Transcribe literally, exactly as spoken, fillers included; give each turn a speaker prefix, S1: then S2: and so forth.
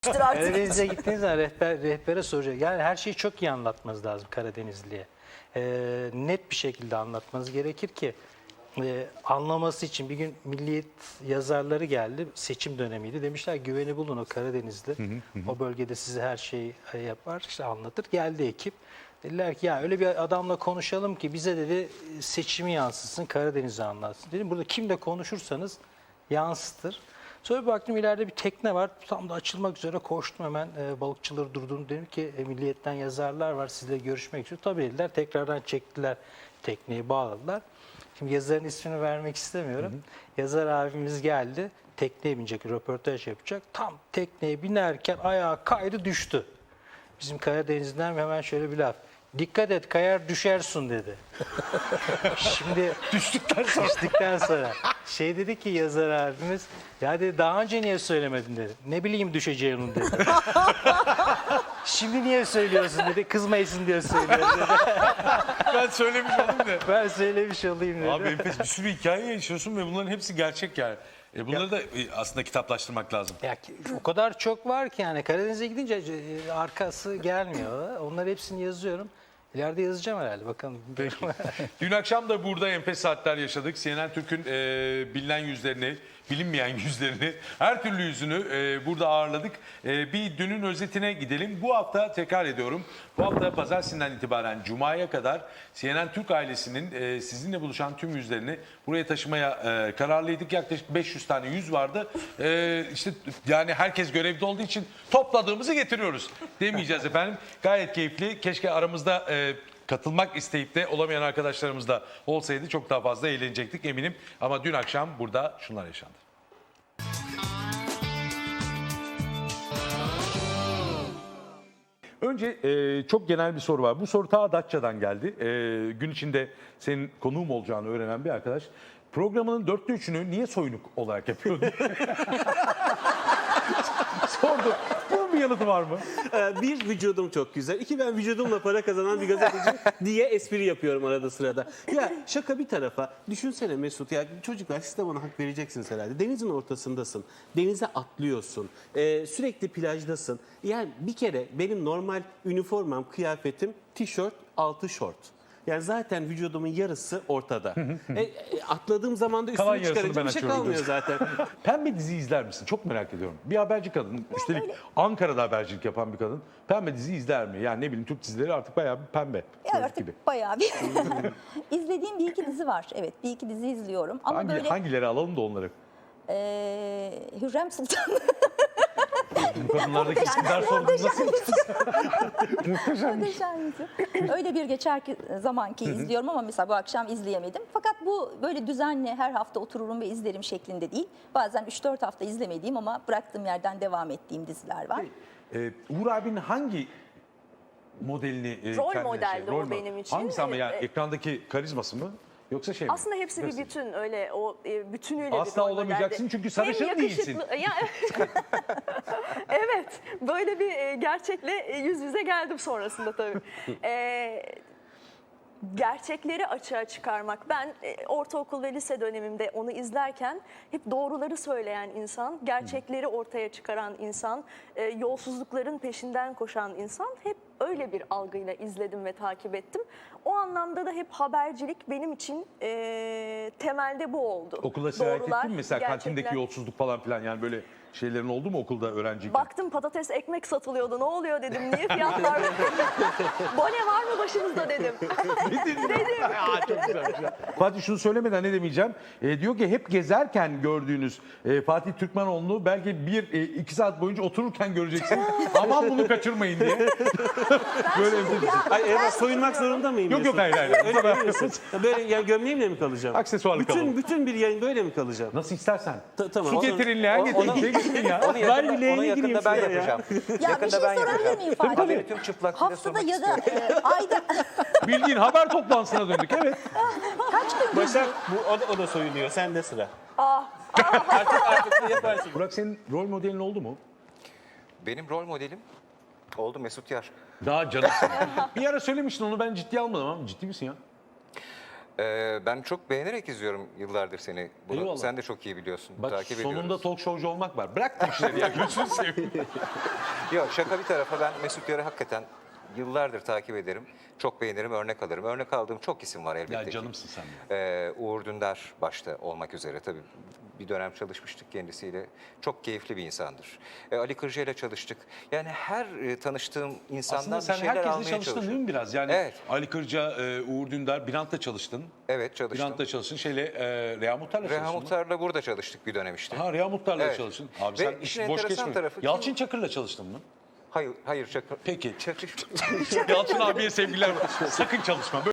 S1: Karadeniz'e gittiğiniz zaman rehber, rehbere soracak. Yani her şeyi çok iyi anlatmanız lazım Karadenizli'ye. Ee, net bir şekilde anlatmanız gerekir ki e, anlaması için. Bir gün Milliyet yazarları geldi. Seçim dönemiydi. Demişler güveni bulun, o Karadenizli. Hı hı hı. O bölgede size her şeyi yapar, işte anlatır. Geldi ekip. Dediler ki ya öyle bir adamla konuşalım ki bize dedi seçimi yansıtsın, Karadeniz'i anlatsın. Dedim burada kimle konuşursanız yansıtır. Sonra bir baktım ileride bir tekne var. Tam da açılmak üzere koştum hemen, e, balıkçıları durdum. Dedim ki e, Milliyet'ten yazarlar var, sizle görüşmek istiyor. Tabii dediler, tekrardan çektiler tekneyi, bağladılar. Şimdi yazarın ismini vermek istemiyorum. Hı hı. Yazar abimiz geldi, tekneye binecek, röportaj yapacak. Tam tekneye binerken ayağa kaydı, düştü. Bizim Karadeniz'den hemen şöyle bir laf. Dikkat et, kayar düşersin dedi. Şimdi düştükten sonra, düştükten sonra şey dedi ki yazar abimiz, ya dedi daha önce niye söylemedin dedi. Ne bileyim düşeceğini dedi. Şimdi niye söylüyorsun dedi. Kızmayasın diye söylüyorum dedi.
S2: Ben söylemiş olayım da.
S1: Ben söylemiş olayım dedi.
S2: Abi enfes bir sürü hikaye yaşıyorsun ve bunların hepsi gerçek yani. E bunları ya, da aslında kitaplaştırmak lazım.
S1: Ya o kadar çok var ki yani Karadeniz'e gidince arkası gelmiyor. Onları hepsini yazıyorum. İleride yazacağım herhalde, bakalım.
S2: Peki. Dün akşam da burada enfes saatler yaşadık. C N N Türk'ün e, bilinen yüzlerini, bilinmeyen yüzlerini, her türlü yüzünü e, burada ağırladık. E, bir dünün özetine gidelim. Bu hafta tekrar ediyorum. Bu hafta pazartesinden itibaren Cuma'ya kadar C N N Türk ailesinin e, sizinle buluşan tüm yüzlerini buraya taşımaya e, kararlıydık. Yaklaşık beş yüz tane yüz vardı. E, işte yani herkes görevde olduğu için topladığımızı getiriyoruz demeyeceğiz efendim. Gayet keyifli. Keşke aramızda e, katılmak isteyip de olamayan arkadaşlarımız da olsaydı çok daha fazla eğlenecektik eminim. Ama dün akşam burada şunlar yaşandı. Önce e, çok genel bir soru var. Bu soru ta Datça'dan geldi. E, gün içinde senin konuğum olacağını öğrenen bir arkadaş. Programının dörtte üçünü niye soyunuk olarak yapıyordun? Sordu. Bunun bir yanıtı var mı?
S3: Bir, vücudum çok güzel. İki, ben vücudumla para kazanan bir gazeteci diye espri yapıyorum arada sırada. Ya şaka bir tarafa, düşünsene Mesut, ya çocuklar siz de bana hak vereceksiniz herhalde. Denizin ortasındasın, denize atlıyorsun, ee, sürekli plajdasın. Yani bir kere benim normal üniformam, kıyafetim tişört, altı şort. Yani zaten vücudumun yarısı ortada. e, e, atladığım zaman da
S2: Kalan
S3: üstümü
S2: yarısını
S3: çıkarınca
S2: ben
S3: bir şey
S2: açıyorum
S3: kalmıyor zaten.
S2: Pembe dizi izler misin? Çok merak ediyorum. Bir haberci kadın, üstelik
S4: öyle.
S2: Ankara'da habercilik yapan bir kadın. Pembe dizi izler mi? Yani ne bileyim, Türk dizileri artık bayağı bir pembe.
S4: Ya artık
S2: gibi.
S4: bayağı bir izlediğim bir iki dizi var. Evet, bir iki dizi izliyorum. Ama
S2: Hangi,
S4: böyle
S2: hangileri alalım da onları?
S4: eee Hürrem Sultan.
S2: Bu kadınlardaki isimler sorunu nasıl?
S4: Muhteşem. Öyle bir geçerki zamanki izliyorum ama mesela bu akşam izleyemedim. Fakat bu böyle düzenli her hafta otururum ve izlerim şeklinde değil. Bazen üç dört hafta izlemediğim ama bıraktığım yerden devam ettiğim diziler var.
S2: Ee, Uğur abinin hangi modelini e,
S5: Rol
S2: kendine
S5: modeldi
S2: şey,
S5: o
S2: rol mü?
S5: benim için.
S2: Hangisi ama yani
S5: Ee,
S2: ekrandaki karizması mı? Yoksa şey mi?
S5: Aslında hepsi bir
S2: Nasıl?
S5: bütün, öyle o e, bütünüyle
S2: Asla
S5: bir rol
S2: olamayacaksın
S5: modeldi.
S2: çünkü
S5: Hem
S2: sarışın
S5: yakışıklı-
S2: değilsin.
S5: Ya, evet, böyle bir e, gerçekle e, yüz yüze geldim sonrasında tabii. E, gerçekleri açığa çıkarmak. Ben e, ortaokul ve lise dönemimde onu izlerken hep doğruları söyleyen insan, gerçekleri ortaya çıkaran insan, e, yolsuzlukların peşinden koşan insan, hep öyle bir algıyla izledim ve takip ettim. O anlamda da hep habercilik benim için e, temelde bu oldu.
S2: Okula sirayet
S5: Doğrular,
S2: ettin mi mesela,
S5: gerçekler.
S2: kantindeki yolsuzluk falan filan, yani böyle şeylerin oldu mu okulda öğrenciyken?
S5: Baktım patates ekmek satılıyordu. Ne oluyor dedim. Niye fiyatlar? Bone var mı başınızda dedim. dedim.
S2: Aa, çok güzel. Fatih şunu söylemeden ne demeyeceğim. E, diyor ki hep gezerken gördüğünüz e, Fatih Türkmenoğlu'nu belki bir e, iki saat boyunca otururken göreceksin. Aman bunu kaçırmayın diye. Böyle bir
S3: Ay Eva, soyunmak zorunda mıyım?
S2: Yok yok,
S3: Mesut?
S2: hayır hayır.
S3: Öyle mi diyorsun? Böyle yani gömleğimle mi kalacağım?
S2: Aksesuarlı
S3: bütün,
S2: kalalım.
S3: Bütün bir yayın böyle mi kalacağım?
S2: Nasıl istersen.
S3: Ta- tamam.
S2: Su
S3: Onu-
S2: getirin, leğen
S6: onu-
S2: getirin.
S6: onu-
S2: Şey getirin ya.
S6: Onu yakında,
S3: Ben bileğine
S6: onu yakında
S3: gireyim
S6: ben
S3: şuraya ya.
S6: yapacağım.
S4: Ya bir
S6: yakında
S4: şey
S6: ben
S4: sorabilir
S6: yapacağım.
S4: miyim Fatih?
S6: Tabii, tüm çıplaklığıyla
S4: Haftada
S6: sormak
S4: ya da
S6: istiyorum.
S4: e, ayda
S2: Bildiğin haber toplantısına döndük, evet.
S4: kaç gün
S3: Başak bu, o, da, o da soyunuyor. Sen de sıra.
S6: Artık artık yaparsın.
S2: Burak, senin rol modelin oldu mu?
S6: Benim rol modelim oldu Mesut Yar.
S2: Daha canısın. Bir ara söylemiştin, onu ben ciddiye almadım ama ciddi misin ya?
S6: Ee, ben çok beğenerek izliyorum yıllardır seni. Bunu
S2: Eyvallah.
S6: sen de çok iyi biliyorsun.
S2: Bak
S6: Takip
S2: sonunda
S6: ediyoruz.
S2: talk showcu olmak var. Bırak bu işleri ya gözünü seveyim.
S6: Yok şaka bir tarafa, ben Mesut Yar'ı hakikaten yıllardır takip ederim. Çok beğenirim, örnek alırım. Örnek aldığım çok isim var elbette
S2: Ya
S6: ki.
S2: canımsın sen de.
S6: Ee, Uğur Dündar başta olmak üzere tabii bir dönem çalışmıştık kendisiyle. Çok keyifli bir insandır. Ee, Ali Kırca ile çalıştık. Yani her e, tanıştığım insandan
S2: Aslında
S6: bir
S2: sen
S6: şeyler
S2: herkesle
S6: almaya
S2: çalıştın değil
S6: çalışıyorum.
S2: mi biraz? Yani
S6: Evet.
S2: Ali Kırca, e, Uğur Dündar, Birant'la çalıştın.
S6: Evet çalıştım.
S2: Birant'la çalıştın. Şeyle, e, Reha Muhtar'la
S6: Reha
S2: çalıştın mı?
S6: Muhtar'la burada çalıştık bir dönem işte.
S2: Ha Reha Muhtar'la
S6: Evet.
S2: çalıştın. Abi
S6: Ve
S2: sen
S6: işin
S2: iş boş
S6: enteresan
S2: geçme.
S6: tarafı kim-
S2: Yalçın Çakır'la çalıştın mı?
S6: Hayır, hayır şaka.
S2: Peki.
S6: Şaka.
S2: Yalçın abiye sevgiler. Sakın çalışma.